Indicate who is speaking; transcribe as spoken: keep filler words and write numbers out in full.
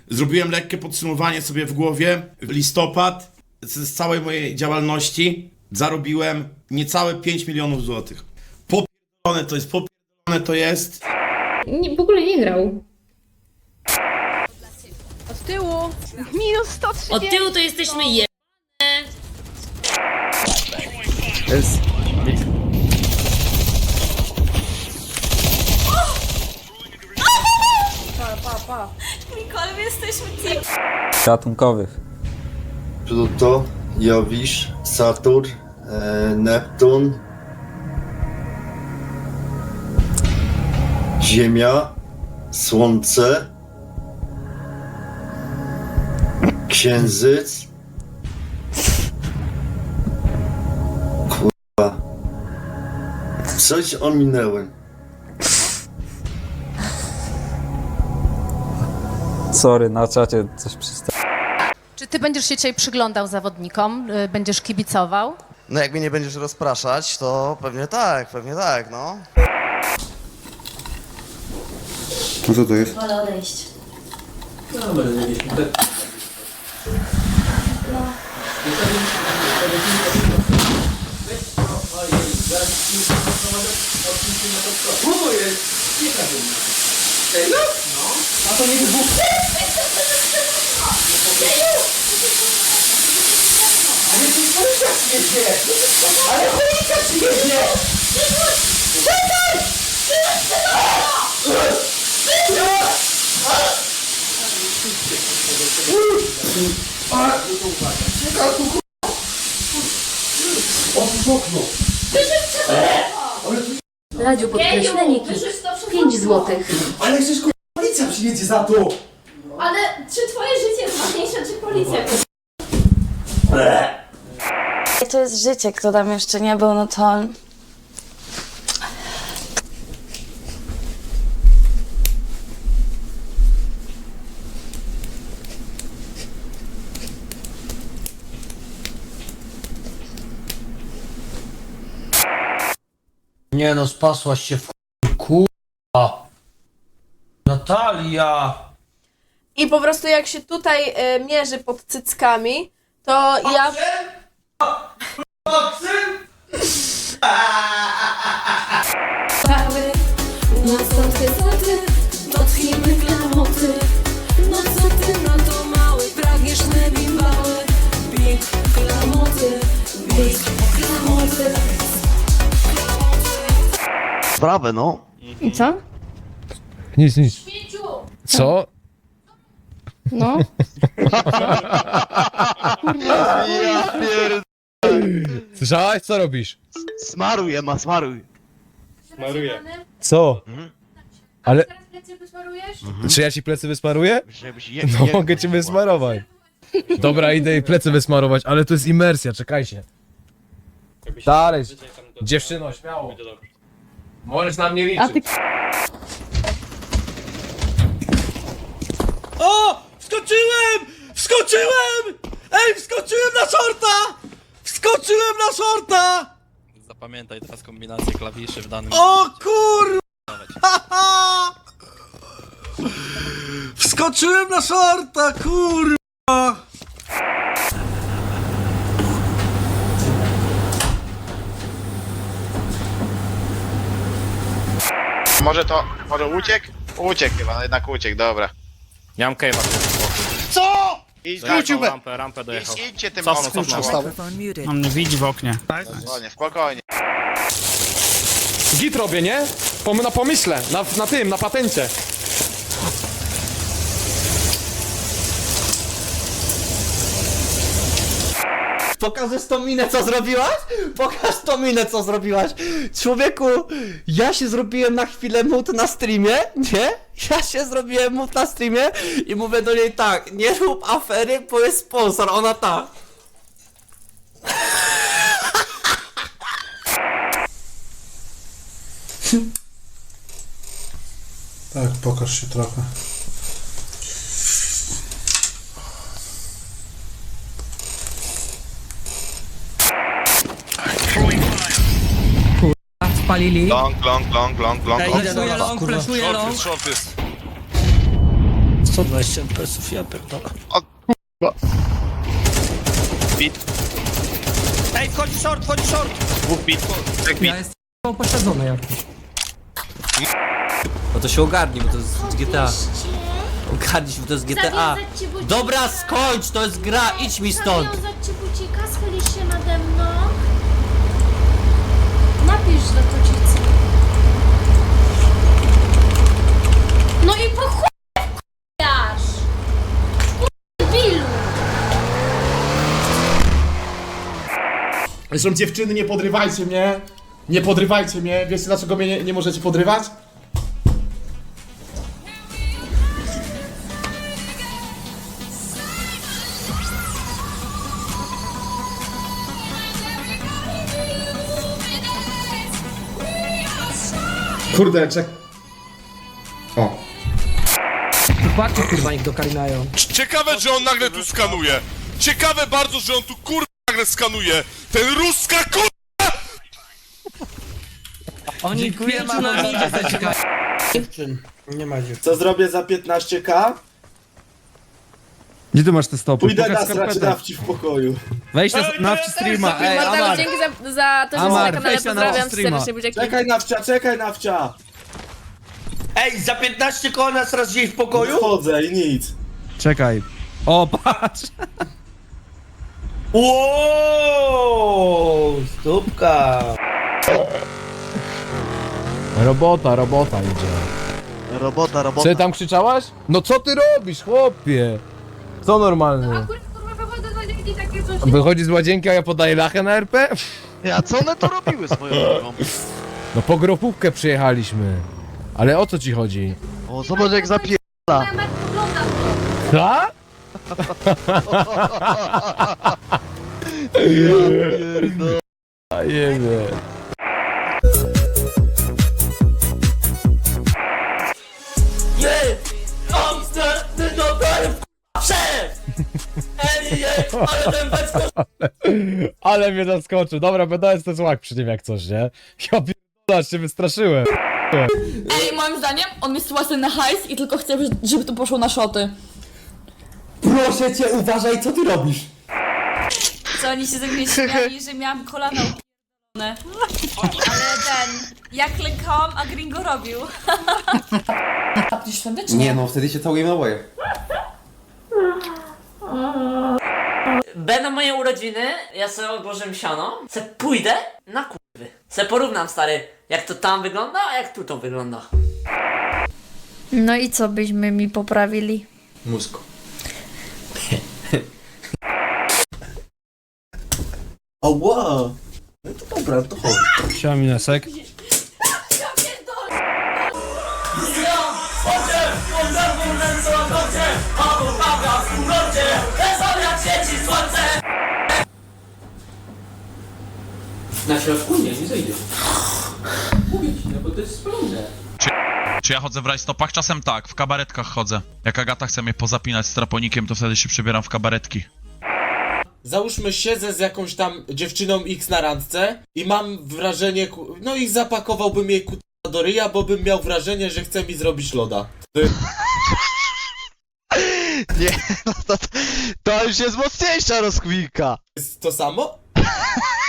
Speaker 1: Zrobiłem lekkie podsumowanie sobie w głowie. W listopad z całej mojej działalności zarobiłem niecałe pięć milionów złotych. Popierdolone to jest, popierdolone to jest.
Speaker 2: Nie, w ogóle nie grał.
Speaker 3: Od tyłu! Minus sto trzydzieści!
Speaker 4: Od tyłu to jesteśmy je...
Speaker 5: Jest.
Speaker 3: Pa, pa, pa.
Speaker 4: Nicole, my jesteśmy team.
Speaker 5: Ratunkowych.
Speaker 6: Pluto, Jowisz, Saturn, e, Neptun, Ziemia, Słońce, Księżyc. Kurwa. Coś ominęłem.
Speaker 5: Sorry, na czacie coś przystało.
Speaker 7: Czy ty będziesz się dzisiaj przyglądał zawodnikom? Y, Będziesz kibicował?
Speaker 8: No jak mnie nie będziesz rozpraszać, to pewnie tak, pewnie tak, no.
Speaker 6: No co to jest?
Speaker 4: Wolę odejść.
Speaker 2: Radziu, podkreślenie kit. pięć złotych.
Speaker 9: Ale przecież kurwa, policja przyjedzie za to!
Speaker 4: Ale czy twoje życie jest ważniejsze, czy policja?
Speaker 10: Jak to jest życie, kto tam jeszcze nie był, no to...
Speaker 9: Nie no, spasłaś się w kurwa. Natalia!
Speaker 3: I po prostu jak się tutaj e, mierzy pod cyckami, to ja...
Speaker 2: No co ty, co ty, dotknijmy klamoty. No co ty na to mały, pragniesz nebimbały. Big klamoty, big klamoty.
Speaker 8: Sprawę, no.
Speaker 7: I co?
Speaker 11: Nic, nic. Co?
Speaker 7: No.
Speaker 8: Ja pierd...
Speaker 11: Słyszałaś? Co robisz?
Speaker 8: Smaruj, Ema, smaruj.
Speaker 11: Co?
Speaker 8: Mhm.
Speaker 11: Ale...
Speaker 4: Teraz plecy wysmarujesz?
Speaker 11: Czy ja ci plecy wysmaruję?
Speaker 8: Żebyś je,
Speaker 11: No
Speaker 8: je-
Speaker 11: mogę ci wysmarować. Dobra, idę jej plecy wysmarować, ale to jest imersja, czekajcie. Dalej. Dziewczyno, śmiało. Możesz na mnie liczyć.
Speaker 7: A ty...
Speaker 9: O! Wskoczyłem! Wskoczyłem! Ej, wskoczyłem na shorta! Wskoczyłem na shorta!
Speaker 5: Zapamiętaj teraz kombinację klawiszy w danym...
Speaker 9: O kurwa! Wskoczyłem na shorta, kurwa!
Speaker 12: Może to, może uciekł? Uciekł chyba, jednak uciekł, dobra.
Speaker 5: Nie mam cave'a.
Speaker 12: Co?! I
Speaker 5: Dojechał rampę, rampę dojechał.
Speaker 12: idź, idźcie tym
Speaker 5: Cofnął,
Speaker 12: oknem.
Speaker 5: cofnął.
Speaker 9: On mnie widzi w oknie.
Speaker 12: Spokojnie, spokojnie.
Speaker 11: Git robię, nie? Pom na pomyśle, na, na tym, na patencie.
Speaker 9: Pokażesz tą minę, co zrobiłaś? Pokaż tą minę, co zrobiłaś! Człowieku, ja się zrobiłem na chwilę mut na streamie, nie? Ja się zrobiłem mut na streamie i mówię do niej tak, nie rób afery, bo jest sponsor, ona tak.
Speaker 6: Tak, pokaż się trochę.
Speaker 9: Spalili.
Speaker 12: Long, long, long, long, long, long.
Speaker 9: Idę do was, kurwa.
Speaker 12: Short jest, short jest.
Speaker 9: sto dwadzieścia F P S-ów, ja pierdolę.
Speaker 12: Bit.
Speaker 9: Ej, wchodzi short, wchodzi short!
Speaker 12: Dwóch bit. Trzech bit.
Speaker 9: jest pośledzony jakiś.
Speaker 5: No to się ogarnij, bo to jest G T A. Ogarnij się, bo to jest G T A. Dobra, skończ, to jest gra, idź mi stąd!
Speaker 4: Zawiązać ci bucika, schylisz się nade mną. Napisz do kocicy. No i po chuj wkurwiasz! Bilu!
Speaker 11: Zresztą dziewczyny, nie podrywajcie mnie. Nie podrywajcie mnie. Wiecie dlaczego mnie nie, nie możecie podrywać? Kurde, czek... O.
Speaker 9: Patrzcie, kurwa, niech dokarinają.
Speaker 12: Ciekawe, że on nagle tu skanuje. Ciekawe bardzo, że on tu kurwa nagle skanuje. Ten ruska kurwa!
Speaker 9: Oni pięciu na midzie zaciekają. Dziewczyn, nie ma dziewczyn.
Speaker 1: Co zrobię za piętnaście ka?
Speaker 11: Gdzie ty masz te stopy?
Speaker 1: Pójdę nasrać nawci w pokoju.
Speaker 11: Weź na, na streama, ej,
Speaker 3: Marta,
Speaker 11: Amar.
Speaker 3: dzięki za, za to, że
Speaker 11: Amar,
Speaker 3: jesteś na kanale,
Speaker 11: weź na
Speaker 3: pozdrawiam
Speaker 11: streama.
Speaker 3: serdecznie, buziaki.
Speaker 1: Czekaj nawcia, czekaj nawcia!
Speaker 9: Ej, za piętnaście koła nas raz gdzieś w pokoju?
Speaker 1: Wchodzę i nic.
Speaker 11: Czekaj. O, patrz!
Speaker 9: Wow, stópka.
Speaker 11: Robota, robota idzie.
Speaker 8: Robota, robota.
Speaker 11: Co ty tam krzyczałaś? No co ty robisz, chłopie? Co normalny?
Speaker 4: Akurat kurwa wychodzę z łazienki takie coś.
Speaker 11: Wychodzi z łazienki, a ja podaję lachę na R P?
Speaker 8: A co one to robiły swoją drogą?
Speaker 11: No po gropówkę przyjechaliśmy. Ale o co ci chodzi?
Speaker 8: O, zobacz jak zapie...
Speaker 4: Moja Marta ogląda to.
Speaker 11: Co? A jebie. Ale mnie zaskoczył. Dobra, będę jest ten złak przy nim jak coś, nie? Ja pierdolę, się wystraszyłem.
Speaker 10: Ej, moim zdaniem on jest łasny na hajs i tylko chce, żeby to poszło na szoty.
Speaker 9: Proszę cię, uważaj, co ty robisz?
Speaker 10: Co oni się ze mnie śmiali, że miałam kolana upierdolone. Ale ten, ja klękałam, a Gringo robił. A ty świątecznie?
Speaker 9: Nie no, wtedy się całujemy na oboje.
Speaker 5: Będą moje urodziny, ja sobie odłożę siano, se pójdę na kurwy. Se porównam, stary, jak to tam wygląda, a jak tu to wygląda.
Speaker 10: No i co byśmy mi poprawili?
Speaker 9: Mózg.
Speaker 1: O wow! No to dobra, to chodź.
Speaker 11: Siema Minesek.
Speaker 5: Na środku? Nie, nie zejdzie. Mówię ci, no bo to jest spalone.
Speaker 12: Czy ja chodzę w rajstopach? Czasem tak, w kabaretkach chodzę. Jak Agata chce mnie pozapinać straponikiem, to wtedy się przebieram w kabaretki.
Speaker 1: Załóżmy, siedzę z jakąś tam dziewczyną X na randce i mam wrażenie, ku- no i zapakowałbym jej kuta do ryja, bo bym miał wrażenie, że chce mi zrobić loda.
Speaker 8: Nie, no to, to już jest mocniejsza rozkminka.
Speaker 1: Jest to samo?